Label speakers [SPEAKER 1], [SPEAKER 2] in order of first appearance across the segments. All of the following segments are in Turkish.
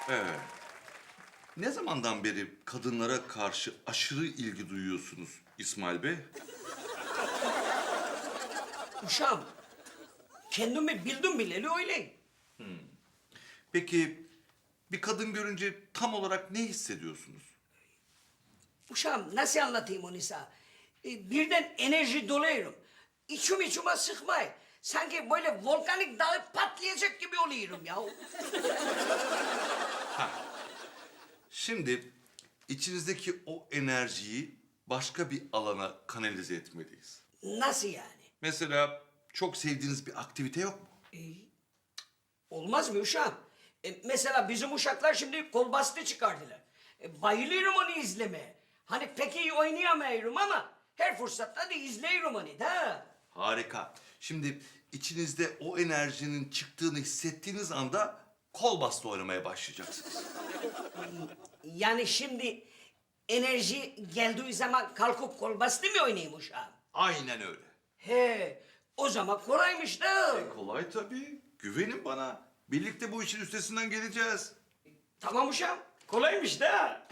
[SPEAKER 1] Evet. Ne zamandan beri kadınlara karşı aşırı ilgi duyuyorsunuz İsmail Bey?
[SPEAKER 2] Uşağım, kendimi bildim bileli öyleyim.
[SPEAKER 1] Peki bir kadın görünce tam olarak ne hissediyorsunuz?
[SPEAKER 2] Uşağım nasıl anlatayım onu sana? Birden enerji doluyorum. İçime sıkmayın. Sanki böyle volkanik dağı patlayacak gibi oluyorum ya.
[SPEAKER 1] Şimdi içinizdeki o enerjiyi başka bir alana kanalize etmeliyiz.
[SPEAKER 2] Nasıl yani?
[SPEAKER 1] Mesela çok sevdiğiniz bir aktivite yok mu?
[SPEAKER 2] Olmaz mı uşağım? Mesela bizim uşaklar şimdi kol bastı çıkardılar. Bayılıyorum onu izlemeye. Hani pek iyi oynayamıyorum ama her fırsatta da izliyorum onu da.
[SPEAKER 1] Harika. Şimdi içinizde o enerjinin çıktığını hissettiğiniz anda kol bastı oynamaya başlayacaksınız.
[SPEAKER 2] Yani şimdi enerji geldiği zaman kalkıp kol bastı mı oynayayım uşağım?
[SPEAKER 1] Aynen öyle.
[SPEAKER 2] He, o zaman kolaymış da.
[SPEAKER 1] Kolay tabii. Güvenin bana. Birlikte bu işin üstesinden geleceğiz.
[SPEAKER 2] Tamam uşağım, kolaymış da.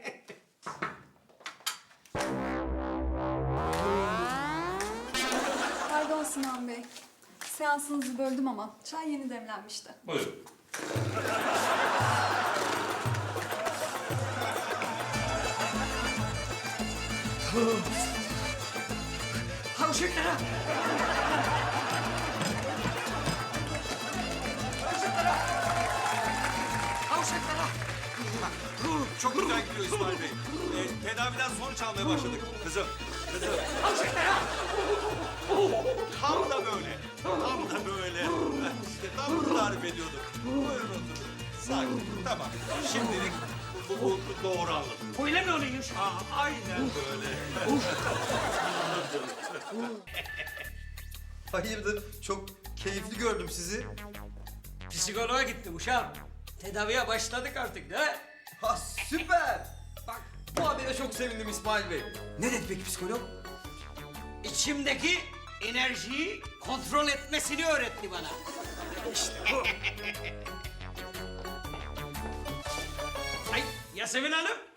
[SPEAKER 3] Pardon Sinan Bey. Seansınızı böldüm ama çay yeni demlenmişti.
[SPEAKER 1] Buyurun.
[SPEAKER 2] Ha uşaklara. Uşaklara. Ha uşaklara.
[SPEAKER 4] Çok güzel gidiyor İsmail Bey. Tedaviden sonuç almaya başladık. Kızım,
[SPEAKER 2] Ha uşaklara.
[SPEAKER 4] tam da böyle. Tam da böyle. İşte tam bunu tarif ediyordum. Buyurun oturun. Sakin. Tamam. Şimdilik bu doğru anladım.
[SPEAKER 2] Öyle mi oluyor uşağım?
[SPEAKER 4] Aynen böyle.
[SPEAKER 5] Hayırdır? Çok keyifli gördüm sizi.
[SPEAKER 2] Psikoloğa gittim uşağım. Tedaviye başladık artık da.
[SPEAKER 5] Ha süper! Bak bu habere çok sevindim İsmail Bey. Ne dedi peki psikolog?
[SPEAKER 2] İçimdeki enerjiyi kontrol etmesini öğretti bana. İşte bu. Ay Yasemin Hanım,